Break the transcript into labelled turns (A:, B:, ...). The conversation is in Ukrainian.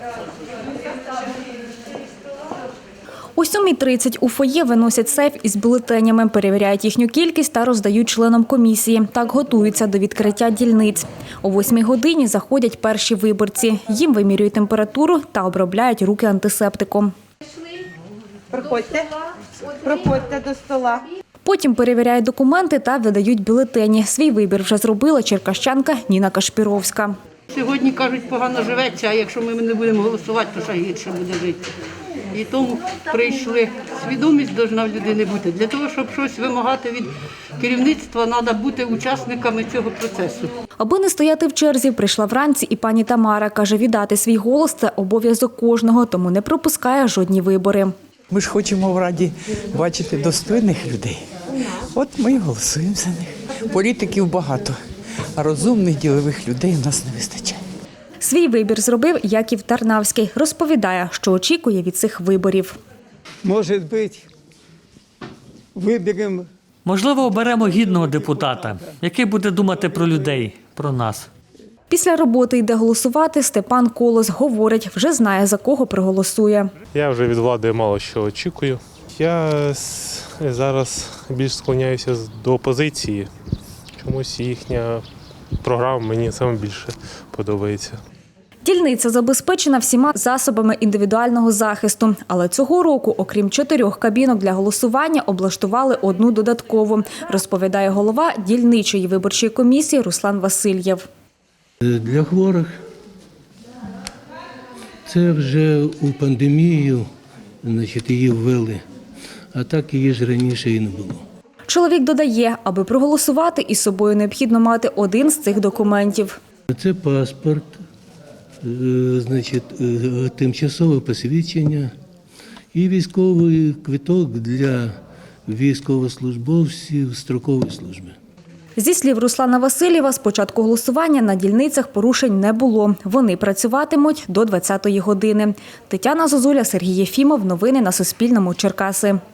A: О 7:30 у фоє виносять сейф із бюлетенями, перевіряють їхню кількість та роздають членам комісії. Так готуються до відкриття дільниць. О 8 годині заходять перші виборці. Їм вимірюють температуру та обробляють руки антисептиком.
B: Проходьте до стола.
A: Потім перевіряють документи та видають бюлетені. Свій вибір вже зробила черкащанка Ніна Кашпіровська.
C: Сьогодні, кажуть, погано живеться, а якщо ми не будемо голосувати, то ще гірше буде жити. І тому прийшли. Свідомість повинна в людини бути. Для того, щоб щось вимагати від керівництва, треба бути учасниками цього процесу.
A: Аби не стояти в черзі, прийшла вранці і пані Тамара. Каже, віддати свій голос – це обов'язок кожного, тому не пропускає жодні вибори.
D: Ми ж хочемо в Раді бачити достойних людей. От ми і голосуємо за них. Політиків багато, а розумних, ділових людей в нас не вистачає.
A: Свій вибір зробив Яків Тарнавський. Розповідає, що очікує від цих виборів.
E: Може бути, виберемо.
F: Можливо, оберемо гідного депутата, який буде думати про людей, про нас.
A: Після роботи йде голосувати. Степан Колос говорить, вже знає, за кого проголосує.
G: Я вже від влади мало що очікую. Я зараз більш склоняюся до опозиції. Чомусь їхня програма мені саме більше подобається.
A: Дільниця забезпечена всіма засобами індивідуального захисту. Але цього року, окрім 4 кабінок для голосування, облаштували одну додаткову, розповідає голова дільничої виборчої комісії Руслан Васильєв.
H: Для хворих це вже у пандемію, її ввели, а так її ж раніше і не було.
A: Чоловік додає, аби проголосувати, із собою необхідно мати один з цих документів.
H: Це паспорт, тимчасове посвідчення і військовий квиток для військовослужбовців строкової служби.
A: Зі слів Руслана Васильєва, з початку голосування на дільницях порушень не було. Вони працюватимуть до 20-ї години. Тетяна Зозуля, Сергій Єфімов. Новини на Суспільному. Черкаси.